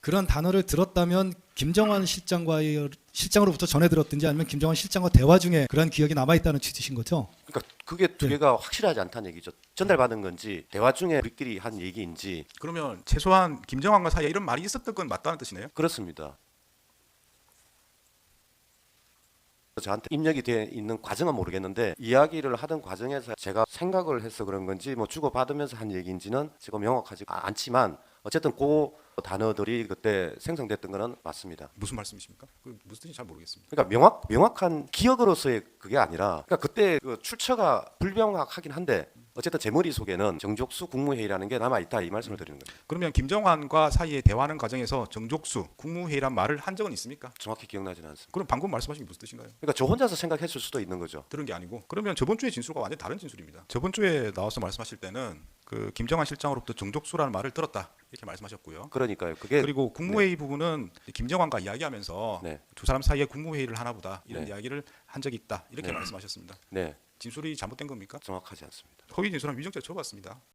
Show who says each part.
Speaker 1: 그런 단어를 들었다면 김정환 실장으로부터 전해 들었든지 아니면 김정환 실장과 대화 중에 그런 기억이 남아 있다는 취지신 거죠?
Speaker 2: 그러니까 그게 두
Speaker 1: 네.
Speaker 2: 개가 확실하지 않다는 얘기죠. 전달받은 건지 대화 중에 우리끼리 한 얘기인지.
Speaker 3: 그러면 최소한 김정환과 사이에 이런 말이 있었던 건 맞다는 뜻이네요.
Speaker 2: 그렇습니다. 저한테 입력이 돼 있는 과정은 모르겠는데 이야기를 하던 과정에서 제가 생각을 해서 그런 건지 뭐 주고받으면서 한 얘기인지는 지금 명확하지 않지만 어쨌든 그 단어들이 그때 생성됐던 거는 맞습니다.
Speaker 3: 무슨 말씀이십니까? 그 무슨 뜻인지 잘 모르겠습니다.
Speaker 2: 그러니까 명확한 기억으로서의 그게 아니라 그러니까 그때 그 출처가 불명확하긴 한데 어쨌든 제 머릿속에는 정족수 국무회의라는 게 남아있다 이 말씀을 드리는 거예요.
Speaker 3: 그러면 김정환과 사이에 대화하는 과정에서 정족수 국무회의란 말을 한 적은 있습니까?
Speaker 2: 정확히 기억나지는 않습니다.
Speaker 3: 그럼 방금 말씀하신 게 무슨 뜻인가요?
Speaker 2: 그러니까 저 혼자서 생각했을 수도 있는 거죠.
Speaker 3: 들은 게 아니고 그러면 저번 주의 진술과 완전히 다른 진술입니다. 저번 주에 나와서 말씀하실 때는 그 김정환 실장으로부터 정족수라는 말을 들었다 이렇게 말씀하셨고요.
Speaker 2: 그러니까요. 그게
Speaker 3: 그리고 국무회의 부분은 김정환과 이야기하면서
Speaker 2: 네.
Speaker 3: 두 사람 사이에 국무회의를 하나보다 이런
Speaker 2: 네.
Speaker 3: 이야기를 한 적이 있다 이렇게
Speaker 2: 네.
Speaker 3: 말씀하셨습니다.
Speaker 2: 네,
Speaker 3: 진술이 잘못된 겁니까?
Speaker 2: 정확하지 않습니다.
Speaker 3: 허위 진술은 위정죄 처벌받습니다.